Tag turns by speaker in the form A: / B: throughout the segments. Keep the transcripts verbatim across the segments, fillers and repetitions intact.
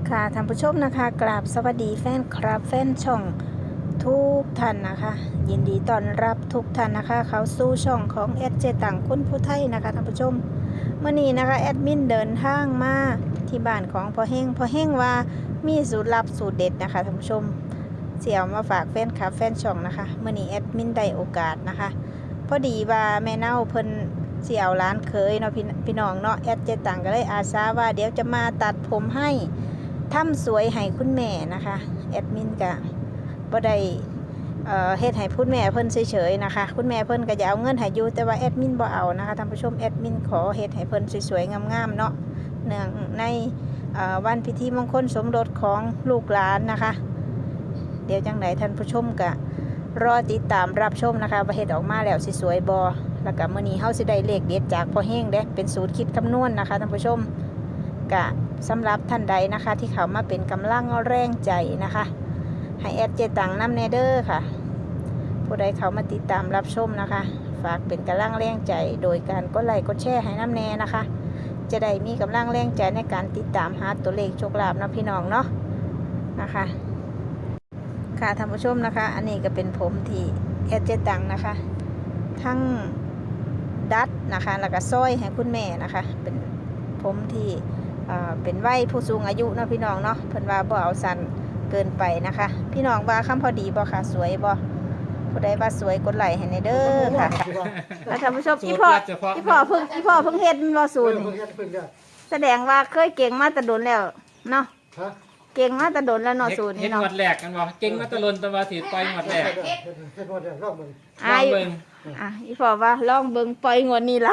A: ค่ะท่านผู้ชมนะคะกราบสวัสดีแฟนคลับแฟนช่องทุกท่านนะคะยินดีต้อนรับทุกท่านนะคะเขาสู่ช่องของแอดเจตังคุณผู้ไทยนะคะท่านผู้ชมเมื่อนี้นะคะแอดมินเดินทางมาที่บ้านของพ่อเฮงพ่อเฮงว่ามีสูตรลับสูตรเด็ดนะคะท่านผู้ชมเสี่ยวมาฝากแฟนคลับแฟนช่องนะคะเมื่อนี้แอดมินได้โอกาสนะคะพอดีว่าแม่เน่าเพิ่นเสี่ยวร้านเคยเนาะพี่พี่น้องเนาะแอดเจตังก็เลยอาสาว่าเดี๋ยวจะมาตัดผมให้ทำสวยให้คุณแม่นะคะแอดมินก็บ่ได้เอ่อเฮ็ดให้คุณแม่เพิ่นเฉยๆนะคะคุณแม่เพิ่นก็จะเอาเงินให้อยู่แต่ว่าแอดมินบ่เอานะคะท่านผู้ชมแอดมินขอเฮ็ดให้เพิ่นสวยๆงามๆเนาะเนื่องในเอ่อวันพิธีมงคลสมรสของลูกหลานนะคะเดี๋ยวจังไหนท่านผู้ชมก็รอติดตามรับชมนะคะว่าเฮ็ดออกมาแล้วสิสวยบ่แล้วก็มื้อนี้เฮาสิได้เลขเด็ดจากพ่อเฮงเด้เป็นสูตรคิดคำนวณนะคะท่านผู้ชมก็สำหรับท่านใดนะคะที่เขามาเป็นกำลังแรงใจนะคะให้แอดเจตังน้ำเนเดอร์ค่ะผู้ใดเขามาติดตามรับชมนะคะฝากเป็นกำลังแรงใจโดยการกดไลค์กดแชร์ให้น้ำแน่นะคะจะได้มีกำลังแรงใจในการติดตามหาตัวเลขโชคลาภนะพี่น้องเนาะนะคะค่ะท่านผู้ชมนะคะอันนี้ก็เป็นผมที่แอดเจตังนะคะทั้งดัดนะคะแล้วก็ซ้อยให้คุณแม่นะคะเป็นผมที่เป็นวัยผู้สูงอายุเนาะพี่น้องเนาะเพิ่นว่าบ่เอาสั้นเกินไปนะคะพี่น้องว่าคำพอดีบ่ค่ะสวยบ่ผู้ใดว่าสวยกดไลค์ให้ในเด้อค่ะแล้วท่านผู้ชมอีพ่ออีพ่อเพิ่งอีพ่อเพิ่งเฮ็ดบ่สูตรแสดงว่าเคยเก่งมาแต่โดนแล้วเนาะเก่งมาแต่โดนแล้วเนาะสูตรนี้เนาะ
B: เฮ็ดงวดแรกกันบ่เก่งมาแต่ล้นแต่ว่าสิปล่อยงวดแรก
C: เฮ็ดงวดแรกรอบมึง
B: ลองเบิ่ง
A: อ่ะอีพ่อว่าลองเบิ่งปล่อยงวดนี้ล่ะ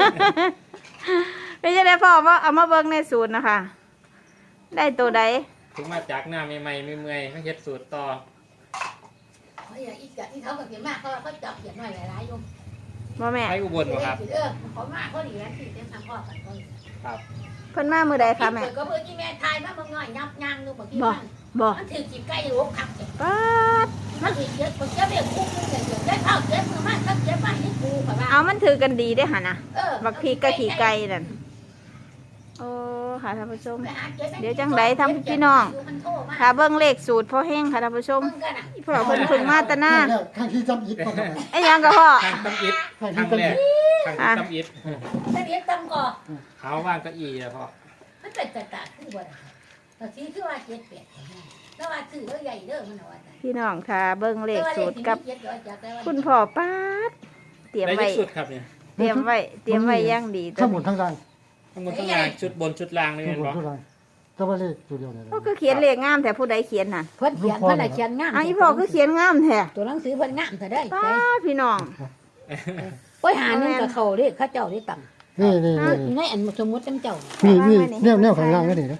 A: ไม่ใช่ได้พ่อว่าเอามาเบิ่งในสูตรนะคะได้ตัวใด
B: ถึงมาจากหน้าใหม่ๆเมื่อยๆมาเฮ็ดสูตรต่อ
C: เฮ้ยอีกอย่างที่เขาเขียนมากเขาเขาจับเขียนหน่อยหลายๆอยู่
A: บ่แม่
B: ไปอุบลบ่ครับ
C: เออเขามากเขาดีแล้วที่เต็มทางพ่อกันเขา
B: ครับ
A: เพิ่นมามื้อใดคะแม่
C: ก็เพิ่นที่แม่ทายมาเมื่อง่อยยับยั้งดูบ่ที่มัน
A: บ่
C: มันถือจีบไก่รูคัก
A: ป๊าด
C: มันถือเยอะมันจะเรียกคุกเดี๋ยวได้ข้าวเจ็บมือมันก็เจ็บไปให้กูค่ะว่า
A: เอามันถือกันดีได้หั่นน่ะบักพริกกับขี้ไก่นั่นโอ้ค่ะท่านผู้ชมเดี๋ยวจังไดทำพี่น้องถ้าเบิ่งเลขสูตรพ่อเฮงค่ะท่านผู้ชมอีพ่อเพิ่นเพิ่งมาตะนา
D: ข้างที่จำอิดบ่
A: ไอ้ยังก็พ่อ
B: ทางตำอิดทางแรกทางตำอิด
C: ตะเรียกตำก่อ
B: เขาว่างเก้าอี้แล้วพ่อ
C: มันเป็นตะๆขึ้นบ่ตะทีคือว่าเจ็ดแปดแล้วว่าซื้อแล้วใหญ่เด้อมันว่า
A: พี่น้องค่ะเบิ่งเลขสูตรกับคุณพ่อป๊าดเตรียมไว้เตรียมไว้เตรียมไว้อย่างดี
D: ทั้งหมดทั้งราง
B: ทั้งหมดทั้งล่างชุดบนชุดล่างนี่แม่นบ่
D: ก็ว่าเลขตัวเดียวนี่
A: พ่อคือเขียนเลขงามแต่ผู้ใดเขียนน่ะ
C: เพิ่นเขียนเพิ่นน่ะเขียนงาม
A: อ้อีพ่อคือเขียนงามแท้
C: ตัวหนังสือเพิ่นงามแต่ได้
A: ป๊าดพี่น้อง
C: โอ้ยหานึงก็เข้าเลขเขาเจ้าได้ตัง
D: นี่นี่
C: ในอันสมมุติจังเจ้า
D: นี่นี่แนวแนวข้างล่างก็นี่นะ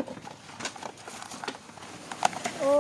A: โอ้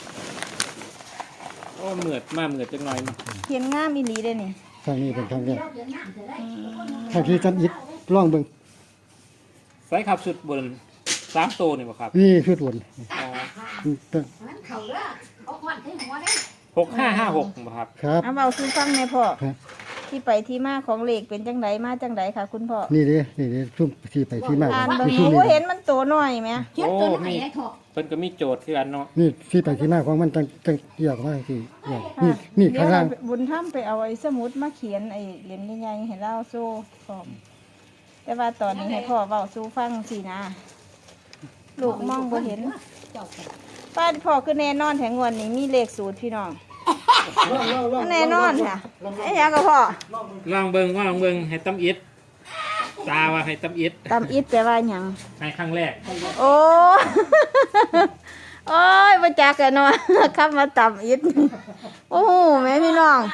B: โอ้เหมือดมาเหมือดจังหน่อย
A: เขียนงามอีหลีเด้นี่
D: ทางนี้เป็นทางนี้ทางที่จำอิดลองเบิ่ง
B: ใส่ครับชุดบนสามตัวนี่บ่ครับ
D: นี่ชุดบน
B: อ๋อ
C: มันเข้าเด้อเอาควันใส่หัวเด้
B: หกห้าห้าหกบ่ครับ
D: ครับ
A: เอาเว้าสู่ฟังแม่พ่อที่ไปที่มาของเลขเป็นจังไดมาจังไดค่ะคุณพ่อ
D: นี่เด้นี่เด้ซุ่มที่ไปที่มา
A: อ่านเบิ่งโอ้เห็นมันโตน้อยแม่
C: เขียนตัวไหนให้ถอ
B: เพิ่นก็มีโจทย์คืออันเนาะ
D: นี่ที่ไปที่มาของมันจังจังเกี่ยวกับว่าที่นี่นี่ข้างล่าง
A: บุญธรรมไปเอาไอ้สมุดมาเขียนไอ้เหรียญใหญ่ๆให้เราโซ่พร้อมแต่ว่าตอนนี้ให้พ่อเว้าสู่ฟังสินะลูกมองบ่เห็นป้าพ่อคือแน่นอนแถงงวนนี้มีเลขสูตรพี่น้องแน่นอนค่ะไอ้ยังก็พ่อ
B: ลองเบิ่งว่าลองเบิ่งให้ตำอิดตาว่าให้ตำอิด
A: ตำอิดแปลว่าหยัง
B: ให้ครั้งแรก
A: โอ้โอ้ยบ่จักกันเนาะคำว่าตำอิดโอ้โหแม่พี่น้อง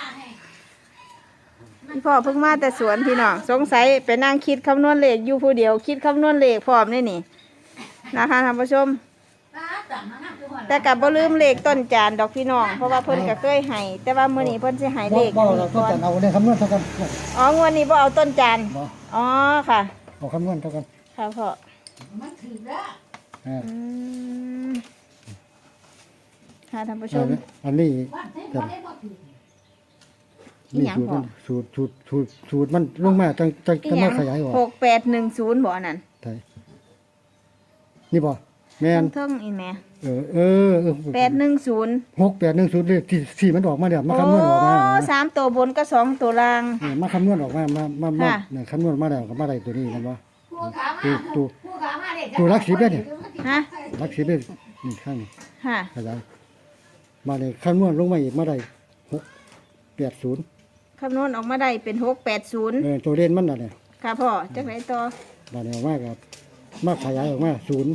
A: พี่พ่อเพิ่งมาแต่สวนพี่น้องสงสัยไปนั่งคิดคำนวณเลขอยู่ผู้เดียวคิดคำนวณเลขพร้อมนี่นี่นะคะท่านผู้ชมแต่กับบ่ลืมเลขต้นจานดอกพี่น้องเพราะว่าเพิ่นก็เคยให้แต่ว่ามื้อนี้เพิ่นสิให้เลข
D: บ่เราต้นจานเอาเนี่ยคำนวณเท่ากัน
A: อ๋องวดนี้บ่เอาต้นจานอ๋อค่ะ
D: เอาคำนวณเท่ากัน
A: ค่ะพ่อ
C: มันถือเด้อ
A: อืมค่ะท่านผู้ชม
D: อันนี้นี่สูตรสูตรสูตรสูตรมันลงมาจังจังจะมาขยายออก
A: หกแปดหนึ่งศูนย์บ่อันนั้น
D: ใช่นี่บ่แม่น
A: เทิงๆอีแหม่
D: เออเออเออ
A: แปดหนึ่งศูนย์
D: หกแปดหนึ่งศูนย์เลขที่ที่มันออกมาแล้วมา
A: โอ้
D: คำนวณออกมานะ
A: สามตัวบนก็สองตัวล่าง
D: เออมาคำนวณออกมามามามา
A: ค่ะ
D: เนี่ยคำนวณมาแล้วก็มาได้ตัวนี้มันบ่
C: ผู้ขามา
D: ตัวตัว
C: ผู้ขามาเนี่ย
D: ตัวรักสิบเนี่ย
A: ฮะ
D: รักสิบเลยนี่ข้างนี้
A: ค่ะ
D: ขยายมาเลยคำนวณลงมาอีกมาได้หกแปดศูนย์
A: คำนวณออกมาได้เป็นหกแปดศูนย์
D: เออตัวเด่นมันน่ะเนี่ย
A: ค่ะพ่อจักไหนต่อ
D: มาเนี่ยออกมากับมาขยายออกมาศูนย์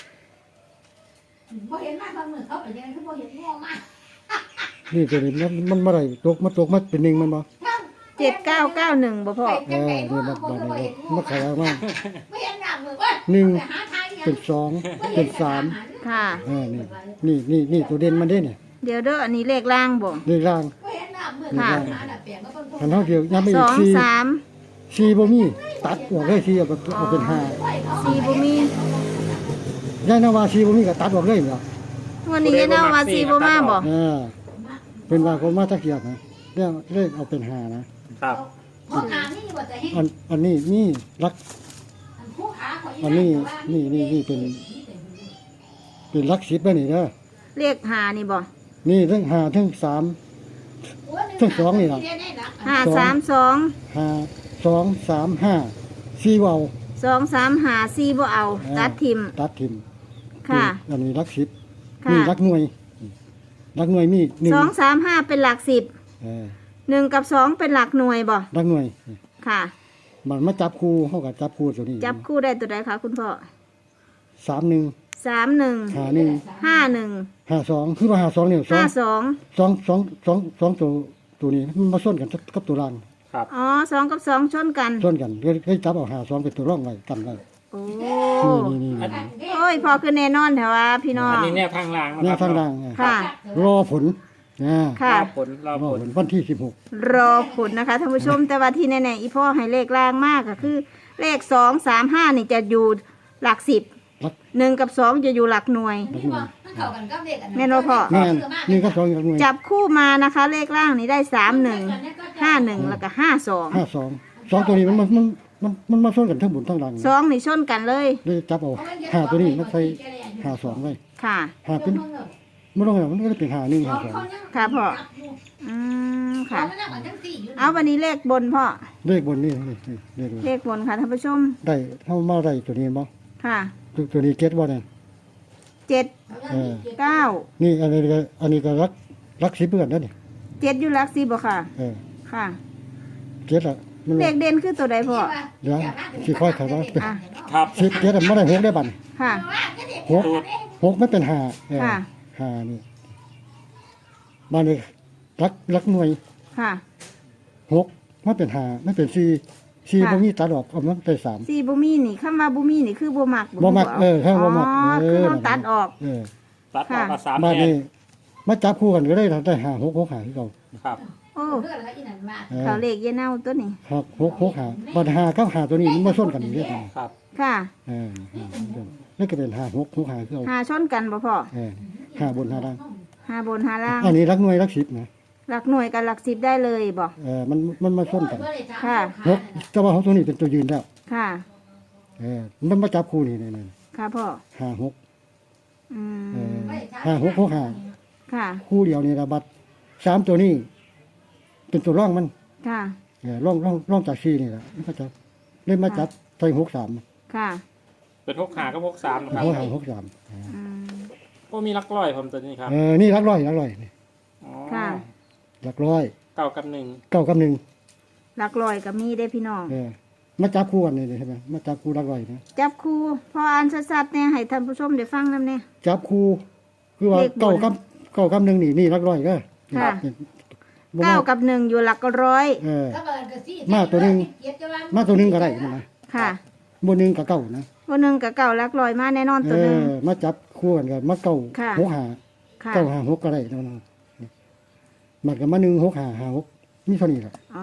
C: พอเห็นมาบางมือเขาไปยังไงเขาพอเห็นง่วงมาก
D: นี่ตัวนี้มันมันมาได้ตกมาตกมาเป็นหนึ่งมันบ่
A: เจ็ดเก้าเก้าหนึ่งบ่พ่อ
D: เออนี่มันมาเนี่ยมาขยายออกมา
C: ไม่เห็นหน้ามือว่า
D: หนึ่ง
C: ไปหาทางยัง
D: เป็นสองเป็นสาม
A: ค่ะ
D: เออนี่นี่นี่นี่ตัวเด่นมันเด้เนี่ย
A: เดี๋ยวเด้ออันนี้เลขล่างบ่
D: เลขล่าง
C: ไม่เห็นหน้ามือ
A: ค่ะ
C: หาหน้าเปลี่ยนก็ต้อง
D: คันเท่าเดียวยังไม่
A: ส
D: อี
A: อก ง
D: สี่
A: สาม
D: สี่บ่มีตัดออกเลยสี่เอาไปเอาเป็นห้า
A: สี่บ่มี
D: ย่ายนาวาสี่บ่มีก็ตัดออกเลยเหรอ
A: วันนี้เนาว่าสี่บ่มาบ่
D: เออเป็นว่าคนมาตะเกียบนะเรื่องเลขเอาเป็นห้านะครับ
C: ผู้ขานี่ว่าจะให้
D: อันอันนี้นี่รัก
C: ผู้ขาข
D: อันนี้นี่นี่นี่เป็น เป็นรักสิบแล้วนี่เด้อ
A: เลขหานี่บ่
D: นี่ทั้งห้าทั้งสาม ทั้งสองนี่ล่ะ
A: ห้าสามสอง
D: ห้าสองสามห้าสี่เว้า
A: สองสามหาสี่บ่เอา
D: เออ
A: ตัดทิม
D: ตัดทิม
A: ค่ะ
D: อันนี้รักสิบ
A: ค่ะ
D: นี่รักหน่วยรักหน่วยมีหนึ่ง
A: สองสามห้าเป็นหลักสิบ
D: เออ
A: หนึ่งกับสองเป็นหลักหน่วยบ่
D: รักหน่วย
A: ค่ะ
D: มันมาจับคู่เฮากับจับคู่ตัวนี้
A: จับคู่ได้ตัวใดคะคุณพ่อ
D: สามหนึ่ง
A: สามหนึ่ง
D: ห้าหนึ่ง
A: ห้าหนึ่ง
D: ห้าสองคือว่าห้าสองเนี่ยสอ
A: ห้าง สอง
D: สองสองสองสองตัวตัวนี้มันมาส้นกันกับตัวล่าง
B: ครับ
A: อ๋อสองกับสองชนกัน
D: ส้นกันก็ก็จับเอาหาสองเป็นตัวร่องไว้กันไว้
A: โอ้
D: นี่นี่
B: อั
D: นี่
B: น
A: โอ้ยพอคือแน่นอนแต่ว่าพี่น้อง
B: อันนี้แนวทางล่างนะ
D: เนี่ย
B: ครับ
D: ทางล่างไง
A: ค่ะ
D: รอผลนะ
A: ค่ะ
B: รอผลรอ
D: รอ
B: ผ
D: ผ
B: ล
D: ลวันที่สิบหก
A: รอผลนะคะท่านผู้ชม แต่ว่าที่แน่ๆอีพ่อให้เลขล่างมากก็คือ เลขสองสามห้านี่จะอยู่หลักสิบ
D: รัก
A: หนึ่งกับสองจะอยู่หลักหน่วย
D: รักหน่วย
A: แม่นบ่พ่อ
D: แม่นนี่ก็สองรักหน่วย
A: จับคู่มานะคะ เลขล่างนี้ได้สามหนึ่งห้าหนึ่งแล้วก็ห้าสอง
D: ห้าสองสองตัวนี้มันมันมันมันมันมาส้นกันทั้งบนทั้งล่าง
A: สองนี่ชนกันเลย
D: เลยจับเอาหาตัวนี้มันใส่หาสองไว้
A: ค่ะ
D: หาเป็นไม่ต้องอะไรมันก็เป็นหาหนึ่งหาสอง
A: ค่ะพ่อ อืมค่ะ เอาวันนี้เลขบนพ่อ
D: เลขบนนี่นี่นี่เลขบน
A: เลขบนค่ะท่านผู้ชม
D: ได้เท่ามาได้ตัวนี้บ่
A: ค่ะ
D: ตัวตัวนี้เก็ตบ่เนี่ย
A: เจ็ด
D: เออ
A: เก้า
D: นี่อันนี้ก็อันนี้ก็รักรักสิบเพื่อนนั่นนี่
A: เจ็ดอยู่หลักสิบบ่ค่ะ
D: เออ
A: ค่ะ
D: เจ็ดอะมัน
A: เลขเด่นคือตัวใดพ่อ
D: เดี๋ยวสิค่อยถามว่า
A: อ่ะ
B: ครับ
D: สิบเจ็ดอะไม่ได้หกได้บัน
A: ค่ะ
D: หกหกไม่เป็นหาเออ
A: ค่ะ
D: หานี่บ้านนี้รักรักหน่วย
A: ค่ะ
D: หกไม่เป็นหาไม่เป็นสี่สี่
A: ค่ะ
D: บ่มีตัดออกเอามันได้สาม
A: สี่บุมีนี่คำว่าบุมีนี่คือบ่มัก
D: บ่มักเออครับบ่มัก
A: อ๋อ
D: เออ
A: คือต้องตัดออก
D: เออ
B: ตัดออกมาสาม
D: บ้าน
B: แผ่น
D: นี้มาจับคู่กันก็ได้ได้หาหกหกหาที่เรา
B: ครับ
A: โอ้
D: เออ
A: เขาเลขเยเน่าตัวนี้
D: หกหกหกหาบ้านหากับหาตัวนี้มันมาส้นกันอยู่ด้วยกัน
B: ครับ
A: ค่ะ
D: เออนี่ก็เป็นหาหกหกหาที่เรา
A: หาชนกันบ่พ่อ
D: เออหาบนหาล่าง
A: หาบนหาล่าง
D: อันนี้รักหน่วยรักสิบนะ
A: หลักหน่วยกับหลักสิบได้เลยบ่
D: เออมันมันมาส้นกัน
A: ค่ะ
D: หกแต่ว่าของตัวนี้เป็นตัวยืนแล้ว
A: ค่ะ
D: เออมันมาจับคู่นี่นี่นี่
A: ค่ะพ่อ
D: ห้าหก
A: อื
D: เอ
A: ม
D: อห้าหกหกห้า
A: ค่ะ
D: คู่เดียวนี่ระบัดสามตัวนี้ เป็นตัวร่องมัน
A: ค่ะ
D: เออร่องร่องร่องจากซีนี่แหละมันก็จะเล่นมาจับใส่หกสาม
A: ค่ะ
B: เป็นหกขากับหกสามนะครับ
D: หกห้าหกสาม
A: อืม
B: ก็มีลักร้อยผมตัวนี้ครับ
D: เออนี่รักร้อยรักร้อยนี่
B: อ๋อ
A: ค่ะ
D: รักร้อย
B: เก้ากับหนึ่ง
D: เก้ากับหนึ่ง
A: หลักลอยกับมีได้พี่น้อง
D: เออมาจับคู่กันนี่ใช่ไหมมาจับคู่รักร้อยนะ
A: จับคู่พออ่านชัดๆเนี่ยให้ท่านผู้ชมได้ฟังนำเนี่ย
D: จับคู่คือว่า
A: เลขบน
D: เก้ากับเก้ากับหนึ่งนี่นี่รักร้อยก็
A: ค่ะ
D: บ่
A: เก้ากับหนึ่งอยู่หลักร้อย
D: เออ
C: มา
D: มา
C: ตั
D: ตัว ว
C: ห
D: หนึ่
C: นึ่ง
D: ง มาตัวหนึ่งก็ได้มันนะ
A: ค่ะ
D: บนหนึ่งกับเก้านะ
A: วันหนึ่งกับเก่าหลักร้อยมาแน่นอน
D: เอ
A: ตัวหนึ่ง
D: อมาจับคู่กันกันมาเก้า
A: ค่ะ
D: หกหา
A: ค่ะ
D: เก้าหาหกก็ได้แล้วนะมันก็มาหนึ่งหกหาหาหกมีเท่านี้แหละ
A: อ๋อ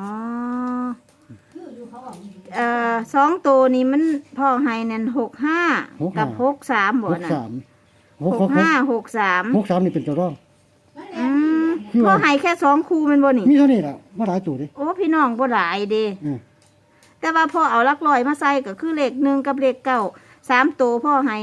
A: เอ่อสองตัวนี้มันพ่อให้นั่นหกห้ากับหกสามบ่
D: หก
A: น่ะ
D: สามห
A: ห
D: ก
A: ก
D: หก
A: ห้าหกสาม
D: หกสามนี่เป็นตัวร่อง
A: อืม
D: คือว่า
A: พ่อให้แค่สองคู่แมันบ่นี่
D: มีเท่านี้แหละมาหลายตัวดิ
A: โอ้พี่น้องบ่หลายเด้
D: เออ
A: แต่ว่าพ่อเอาหลักร้อยมาใส่ก็คือเลขหนึ่งกับเลขเก้าสามตัวพ่อให้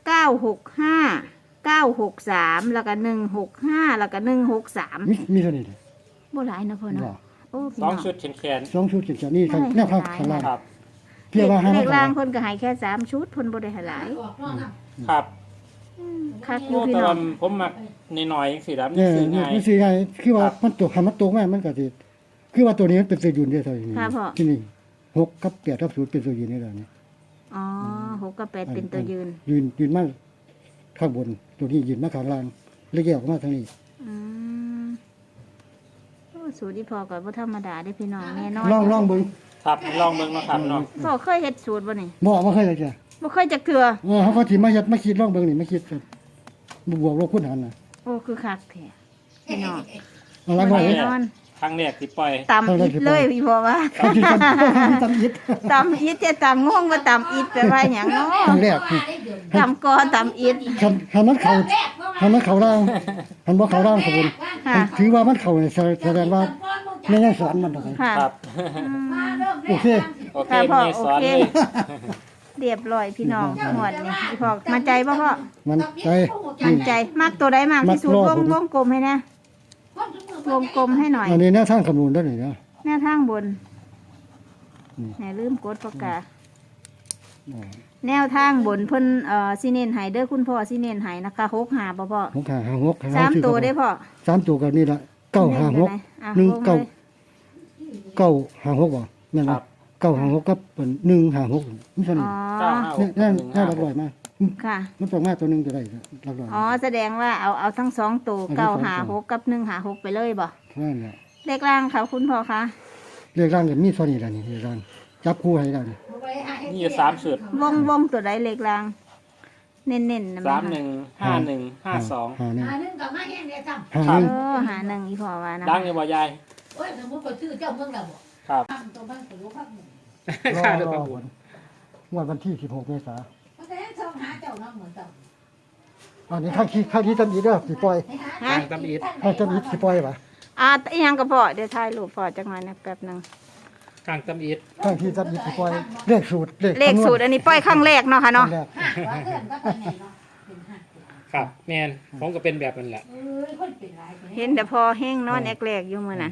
A: เก้าหกห้าเก้าหกสามแล้วก็หนึ่งหกห้าแล้วก็หนึ่งหกสาม
D: มีมีเท่านี้เลย
A: บ่หลายนะพ่อเนาะ
D: บ่
A: โอ้พี่
B: สอง
A: น้อง
B: ชุดแขนแขน
D: สองชุดจังๆนี่ข้างแนวข้างข้างล่าง
B: ครับ
D: เพียงว่าให้
A: เล
D: มัน
A: ขล่างเพิ่นก็ให้แค่สามชุดเพิ่นบ่ได้ให้หลาย
C: ออกนอกน้ำ
B: ครับ
A: คักอยู่
B: โอ้
A: พี่
B: แต่
A: น้อ
B: ว่าง ผมมักน้อยๆจังซี่ครับ
D: เออ
B: ซื้อ
D: นี่
B: ง่าย
D: มันสิง่ายคือว่ามันตกให้มันตกมามันก็สิคือว่าตัวนี้มันเป็นตัวยืนได้เท่านี้
A: ค่ะพ่อ
D: ที่นี่หกกับแปดกับศูนย์เป็นตัวยืนนี่แหละนี่
A: อ๋อหกกับแปดเป็นตัวยืน
D: ยืนยืนมาข้างบนตัวนี้ยืนมาข้างล่างแล้วแยกออกมาทางนี้
A: อืมโอ้สูตรที่พอกับว่าธรรมดาได้อพี่น้องแน่นอน
D: ลองลองเบิ่ง
B: ครับลองเบิ่งเนาะครับเนาะ
A: พ่อเคยเฮ็ดสูตรบ่นี่
D: บ่มาเคยเลยจ้ะ
A: บ่เคยจักเทื่อ
D: เออเขาก็สิมาเฮ็ดมาคิดลองเบิ่งนี่มาคิดกันบวกลบคูณหารน่ะ
A: โอ้คือคักแท้พี่น้อง
D: เอาละบ่
A: แน่
D: เฮ็ด
A: นอน
B: ครั้งแรกที่ปล่อย
A: ตำอิดเลยพี่พ่อว่า
D: เขาสิทำทำอิด
A: ตำอิดจะตำง่วงว่าตำอิดแปลว่าหยังเนาะ
D: ครั้งแรกนี่
A: ตำกอตำอิด
D: คันคันมันเข้าคันมันเข้าล่างคันบ่เข้าล่างขบวน
A: ค่ะ
D: ถือว่ามันเข้านี่แสดงว่าแม่ยังสอนมันตรงนี้
A: ค่ะ
B: ครับ
D: โอเค
B: โอเค
A: ค่ะพ่อ
B: มีสอน
A: โอเค
B: เลย
A: เรียบร้อยพี่น้องหวดนี่พี่พ่อมั่นใจบ่พ่อ
D: มันใจ
A: มั่นใจมากตัวใดมากที่สุด
D: มั
A: ว
D: ก
A: ง
D: รอบ
A: วงกลมให้นะวงกลมให้หน่อย
D: อันนี้แนวทางคำนวณได้นี่นะ
A: หน้าทางบน
D: อืม
A: ไหนลืมกดปากกา
D: อ่า
A: แนวทางบนเพิ่นเอ่อสิเน้นให้เด้อคุณพ่อสิเน้นให้นะคะหกหาบ่พ่อ
D: หกห้าห้าหก
A: สามตัวได้พ่อ
D: สามตัวก็นี่ละเก้าห้าหก
A: อ่ะ
D: หนึ่ง
A: วลย
D: เก้า เก้าห้าหกบ่แม่น
B: ค
D: บ่
B: รับ
D: เก้าห้าหกกับเป็นหนึ่งห้าหกนี่เท่า
A: อ๋
D: นี้
A: อ
B: เก้าห้าห
D: นี่
B: ก
D: นั่น
B: หนึ่ง
D: น่า
B: ห้า
D: รัก
B: ห
D: ร่อก ยมาก
A: ค่ะ
D: มันต้องมาตัวหนึงจะได้รักร่อย
A: อ๋อแสดงว่าเอาเอาทั้งสองตัว
D: เอาทั้ง
A: เก้า
D: สอง
A: หา
D: ตัว
A: หกกับหนึ่งหาหกไปเลยบ่
D: นั่นแหละ
A: เลขล่างค่ะคุณพ่อคะ
D: เรียกร่างก็มีเท่านี้ล่ะนี่เรียกร่างจับคู่ให้ได้นี่
B: มีอยู่สามชุด
A: วงวงตัวใดเลขล่าง เน้นๆนะ
B: สาม
A: แม่
B: หนึ่งห้าหนึ่งห้าสอง
D: ห้าหนึ่ง
C: หาหนึ่งกับมาแห้งเลยจ้ะ
D: ห้า
B: ค
D: ห
B: รับ
D: นึ่ง
A: เออหาหนึ่งอีพ่อว่านะ
B: ดังอยู่บ่ยาย
C: โอ้ยสมมติก็ชื่อเจ้าเมืองเราบ่
B: ครับ
C: ทำตัวบ้านตัวลูกพักหนึ่ง
D: รอ
B: ค่ารถ
D: ร
B: ป
D: อ
B: ระมู
D: ผ
B: ล
D: ลงวดวันที่สิบหกเมษายน
C: มันจะให้ช่องหาเจ้าน้องเหมือนเจ้า
D: อันนี้ข้างที่ข้างที่จำอีเด้อสิปล่อย
A: ฮะ
B: ทางตำอิด
D: ข้างจำอีสิปล่อยป่ะ
A: อ่าอีหยังก็พ่อเดี๋ยวถ่ายรูปพ่อจักหน่อยนะแป๊บหนึง
B: ทางตำอิด
D: ข้างที่จำอีสิปล่อยเลขสูตรเลข
A: เลขสูตรอันนี้ปล่อยครั้งแรกเนาะค่ะเนาะ
D: แรก
C: ห้าว่าเพื่อนก็เป็นไงเนาะเป็นห้า
B: ครับแมนผมก็เป็นแบบนั้นแหละ
C: เอ้ยคนเป็นไรคน
A: เห็นแต่พอแห้งนอนแอกแรกอยู่มื้อนั้น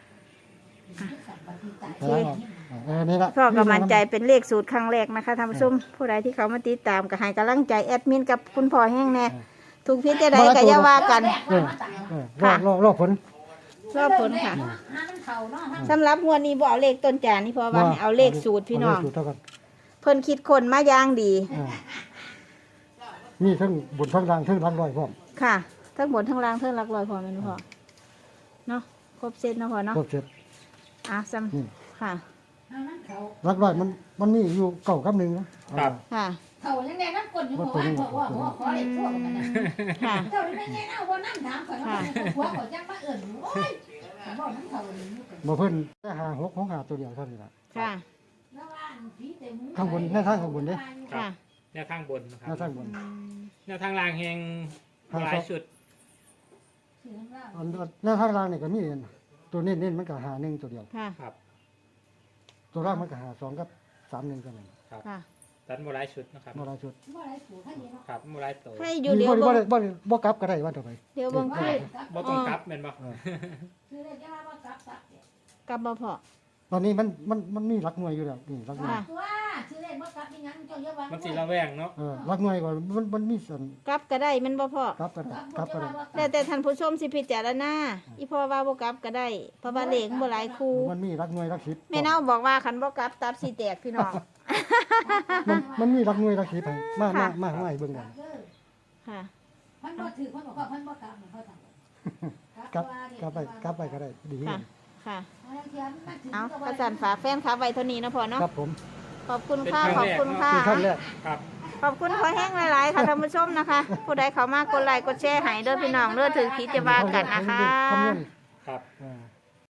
D: แล้วเออนี่ละ
A: พ่อก็มั่นใจเป็นเลขสูตรครั้งแรกนะคะท่านผู้ชมผู้ใดที่เขามาติดตามก็ให้กำลังใจแอดมินกับคุณพ่อแห้งแน่ถูกพิษจะได้ก็อย่าว่ากัน
D: เออเออรอรอรอผล
A: รอผลค่ะ
C: หามันเข่าเนาะ
A: สำหรับงวดนี้บ่เอาเลขต้นจานนี่เพราะว่าให้เอาเลขสูตรพี่น้อง
D: เาเลขสูตรเท่ากัน
A: เพิ่นคิดคนมาอย่างดี
D: อ่ามีทั้งบนทั้งล่างทั้งรักร้อยพร้อม
A: ค่ะ ทั้งบนทั้งล่างทั้งหลักร้อยพอแม่นบ่พอเนาะครบเซตเนาะพอเนาะ
D: ครบเสร็จ
A: อ่ะซ้
D: นี่
A: ำค่ะ
C: หามันเข่า
D: รักร้อยมันมันมีอยู่เก่ากับหนึ่งนะครับ
A: ค่ะ
C: เข่ายังไงน้ำกลอยู่หัวหัวหัวหัวขอเล็กทั่วกันนะ
A: ค่ะ
C: เจ้าได้ไงเนาะว่าน้ำถามข่อยว่าหัวข่อยจังมาเอิ่นโอ้ยบอกน้ำเข่าเลย
D: บ่เพิ่นแต่หาหกของหาตัวเดียวเท่านี้ล่ะ
A: ค่ะ
D: ข้างบนแน่ทางข้างบนเด้
A: ค่ะ
B: แนวทางบนนะค
D: แน่
B: รับ
D: ทางบน
B: แนวทางล่างแหงหลายชุด
D: อันแน่ทางล่างนี่ก็มีตัวเน้นเน้นๆมันก็หาหนึ่งตัวเดียว
A: ค่ะ
B: ครับ
D: ตัวล่างมันก็หาสองกับสามหนึ่งกันนั่น
A: ค่ะ
B: ตันโมหลายชุดนะครับ
D: บ่หลายชุด
B: ครับโมหลายโต
A: ให้อยู่เดี๋ยว
D: บ่
A: เบิ่
D: ได้
A: ง
D: บ่ได้บ่กลับก็ได้ว่าต่อไป
A: เดี๋ยวเบิ่งคือ
B: บ่ต้องกลับแม่นบ่
A: กับบ่พอ
D: ตอนนี้มันมันมันมีหลักหน่วยอยู่แล้วนี่หลักหน่วย
A: ค่ะ
C: ตัวชื่อเล่นว่ากลับยังงั้นเจ้าเยอะว่า
B: มันสีระแวงเนาะ
D: เออหลักหน่วยก็มันมันมีส่วน
A: กลับก็ได้แมันบ่พอก
D: ลับก็ได้กลับก็ได้
A: แต่แต่ท่านผู้ชมสิพิจารณาอีพ่อว่าบ่กลับก็ได้เพราะว่าเลขบ่หลายคู่
D: มันมีหลักหน่วยหลักสิบ
A: แม่เนาบอกว่าคันบ่กลับตับสิแตกพี่น้อง
D: มันมันมีหลักหน่วยหลักสิบให้มามา
A: ค่ะ
D: มาให้เบิ่งกัน
A: ค่ะ
C: มันบ่ถือมันบอกว่ามันบ่กลับมันเขาทำ
D: กลับกลับไปกลับไปก็ได้ดี
A: ค่ะ ค่ะ
C: เอา
A: เอากระสันฝากแฟนคลับไว้เท่านี้เนาะพ่อเนาะ
D: ครับผม
A: ขอบคุณค่ะขอบคุณค่ะ
D: คือขั้นแรก
B: ครับ
A: ขอบคุณพ่อแห้งหลายๆค่ะท่านผู้ชมนะคะ ผู้ใดเข้ามากดไลค์กดแชร์ให้เด้อพี่น้องเด้อถือคิดจะว่ากันนะคะ
D: คำนวณ
B: ครับ
D: อ่า